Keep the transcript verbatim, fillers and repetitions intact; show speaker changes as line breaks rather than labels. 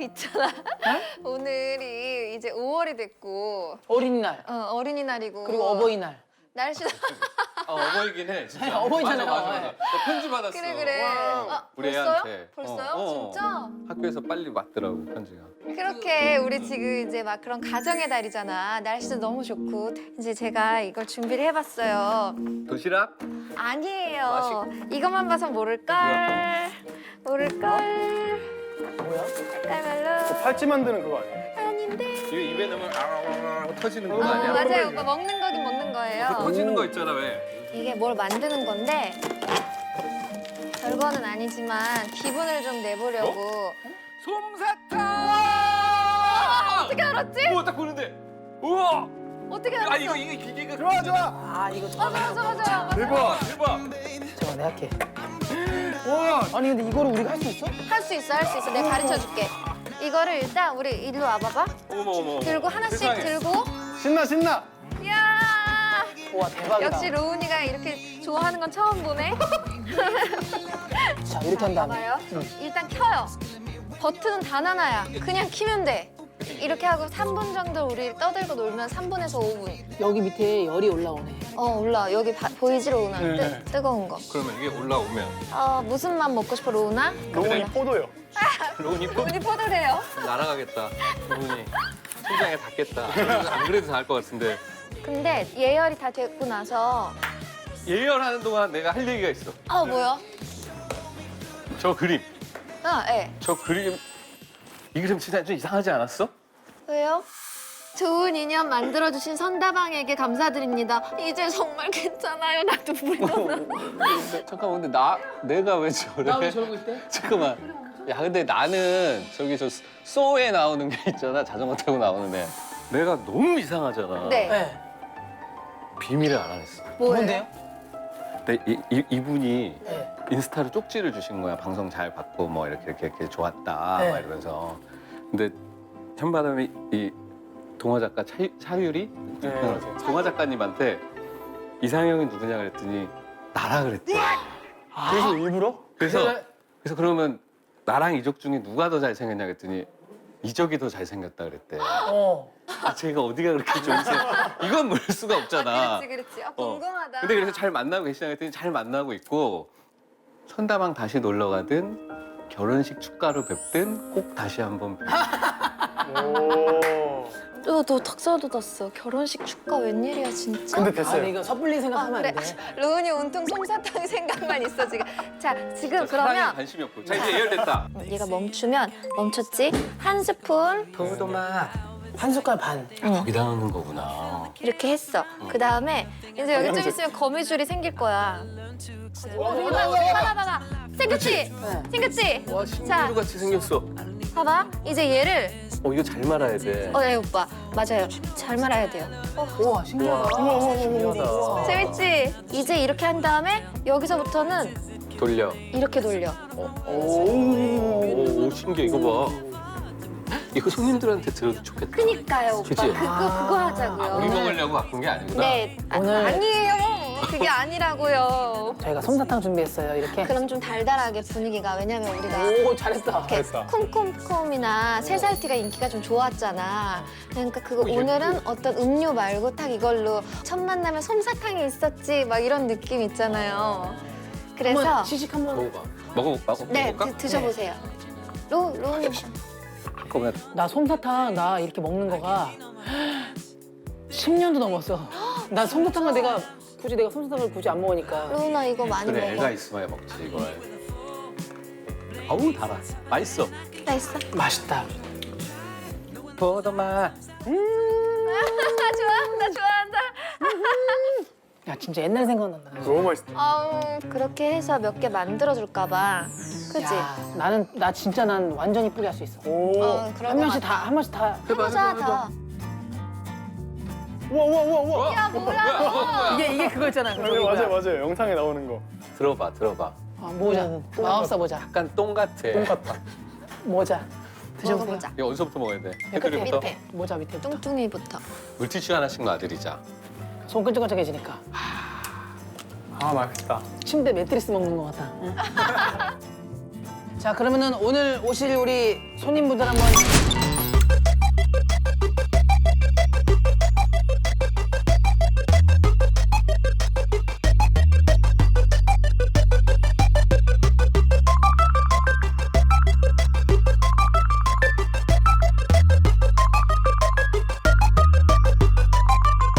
있잖아. 오늘이 이제 오월이 됐고
어린이날.
어, 어린이날이고
그리고 어버이날.
날씨도
어, 어버이긴 해, 진짜.
어버이잖아요.
맞아, 맞아, 맞아.
네.
나 편지 받았어.
그래 그래.
어,
아,
우리
벌써요?
애한테.
벌써요?
어, 어.
진짜?
학교에서 빨리 왔더라고, 편지가.
그렇게 우리 지금 이제 막 그런 가정의 달이잖아. 날씨도 너무 좋고 이제 제가 이걸 준비를 해봤어요.
도시락?
아니에요. 이것만 봐서 모를걸. 모를걸.
뭐야?
깔깔말로.
팔찌 만드는 그거 아니에요?
아닌데.
이거 입에 넣으면 아웅 터지는 거
어,
아니야?
맞아요. 오빠 먹는 거긴 먹는 거예요.
그 터지는 거 있잖아, 왜?
이게 뭘 만드는 건데 별거는 아니지만 기분을 좀 내보려고.
솜사탕!
어떻게 알았지?
우와, 딱 보는데. 우와!
어떻게 알았어?
아, 이거, 이게 기계가.
좋아 좋아.
아 이거 저
맞아 맞아 맞아. 맞아.
대박.
대박!
잠깐 내가 할게.
와.
아니 근데 이거를 우리가 할 수 있어?
할 수 있어 할 수 있어. 내가 가르쳐 줄게. 이거를 일단 우리 일로 와봐봐.
어머, 어머, 어머.
들고 하나씩
세상에.
들고.
신나 신나.
이야.
와 대박이다.
역시 로운이가 이렇게 좋아하는 건 처음 보네.
자 이렇게 한 다음에.
봐봐요. 일단 켜요. 버튼은 단 하나야. 그냥 키면 돼. 이렇게 하고 삼 분 정도 우리 떠들고 놀면 삼 분에서 오 분.
여기 밑에 열이 올라오네.
어 올라. 여기 바, 보이지 로운아?
네.
뜨, 뜨거운 거.
그러면 이게 올라오면
어 무슨 맛 먹고 싶어 로운아?
로운이 포도요.
로운이 포
로운이 포도래요.
날아가겠다. 로운이 심장에 닿겠다. 안 그래도 닿을 것 같은데.
근데 예열이 다 됐고 나서
예열하는 동안 내가 할 얘기가 있어.
아 뭐야?
저 그림.
아 예.
저 그림. 이 그림 진짜 좀 이상하지 않았어?
왜요? 좋은 인연 만들어주신 선다방에게 감사드립니다. 이제 정말 괜찮아요. 나 눈물이 나.
잠깐만, 근데 나, 내가 왜 저래?
나 왜 저러고 있대?
잠깐만. 야, 근데 나는 저기 저 소에 나오는 게 있잖아. 자전거 타고 나오는 애. 내가 너무 이상하잖아.
네.
네.
비밀을 알아냈어.
뭐예요?
뭔데요?
근데 이, 이, 이분이
네.
인스타로 쪽지를 주신 거야. 방송 잘 봤고 뭐 이렇게 이렇게, 이렇게 좋았다
네.
막 이러면서. 근데 현바람이 이 동화 작가 차, 차유리
네.
동화 작가님한테 이상형이 누구냐 그랬더니 나라 그랬대.
그래서 일부러?
그래서
그래.
그래서 그러면 나랑 이적 중에 누가 더 잘생겼냐 그랬더니 이적이 더 잘생겼다 그랬대.
어.
아 제가 어디가 그렇게 좋으세요? 이건 모를 수가 없잖아.
그렇지 그렇지. 아,
어.
궁금하다.
근데 그래서 잘 만나고 계시냐 그랬더니 잘 만나고 있고 선다방 다시 놀러 가든 결혼식 축가로 뵙든 꼭 다시 한번 뵙.
오.
너, 너 턱사 돋았어. 결혼식 축가 웬일이야 진짜?
근데
아
됐어요.
근데 이거 섣불리
아,
생각하면
그래.
안 돼.
로운이 온통 솜사탕 생각만 있어 지금. 자 지금
사랑에
그러면
관심이 없고. 자 이제 예열됐다.
얘가 멈추면 멈췄지? 한 스푼
포도맛.
한 숟갈 반.
거기다 넣는 거구나.
이렇게 했어. 그 다음에 이제 여기 좀 있으면 거미줄이 생길 거야. 어, 봐봐, 봐봐, 봐봐. 생겼지?
네.
생겼지?
와
자,
신기루 같이 생겼어.
봐봐. 이제 얘를
어 이거 잘 말아야 돼.
어, 예, 오빠. 맞아요. 잘 말아야 돼요.
우와 신기하다.
우와 우와 우와 우와.
재밌지? 이제 이렇게 한 다음에 여기서부터는
돌려.
이렇게 돌려.
오, 오 신기해 이거 봐. 이거 손님들한테 들어도 좋겠다.
그니까요, 오빠.
그치?
그거, 그거 하자고요.
아, 우리 먹으려고 바꾼 게 아니구나.
네. 아,
오늘-
아니에요. 그게 아니라고요.
저희가 솜사탕 준비했어요. 이렇게.
그럼 좀 달달하게 분위기가. 왜냐면 우리가
오 잘했어.
이렇게
잘했다.
쿰쿰쿰이나 새살티가 인기가 좀 좋았잖아. 그러니까 그거
어, 예쁘-
오늘은 어떤 음료 말고 딱 이걸로 첫 만남에 솜사탕이 있었지 막 이런 느낌 있잖아요. 그래서
한번 시식 한번.
먹어봐. 먹어 먹어
네
먹을까?
드, 드셔보세요. 로 로우님
그러면
나 솜사탕 나 이렇게 먹는 거가 십 년도 넘었어. 나 솜사탕을 내가 굳이 내가 솜사탕을 굳이 안 먹으니까.
로우나 이거 많이
그래
먹어.
애가 있어야 먹지 이걸. 어우 달아. 맛있어.
나 있어.
맛있다.
포도맛.
나 좋아한다 좋아한다.
야 진짜 옛날 생각난다.
너무 맛있다.
아우 그렇게 해서 몇 개 만들어 줄까 봐. 그치?
야, 나는 나 진짜 난 완전 이쁘게 할 수 있어.
오.
어 그런
한
거
명씩
같아.
다 한 명씩 다.
해보자 다.
우와 우와 우와 우와.
야 뭐야?
이게 이게 그거 있잖아.
네, 맞아요 맞아요. 영상에 나오는 거.
들어봐 들어봐.
아, 모자. 마법사 모자.
약간 똥 같아.
똥 같다.
모자. 드셔보세요.
먹어보자.
이거 어디서부터 먹어야 돼?
끝에
테두리부터?
밑에.
모자 밑에부터.
뚱뚱이부터.
물티슈 하나씩 놔드리자.
손 끈적끈적해지니까.
아 맛있다.
침대 매트리스 먹는 것 같다. 응? 자, 그러면은 오늘 오실 우리 손님분들 한번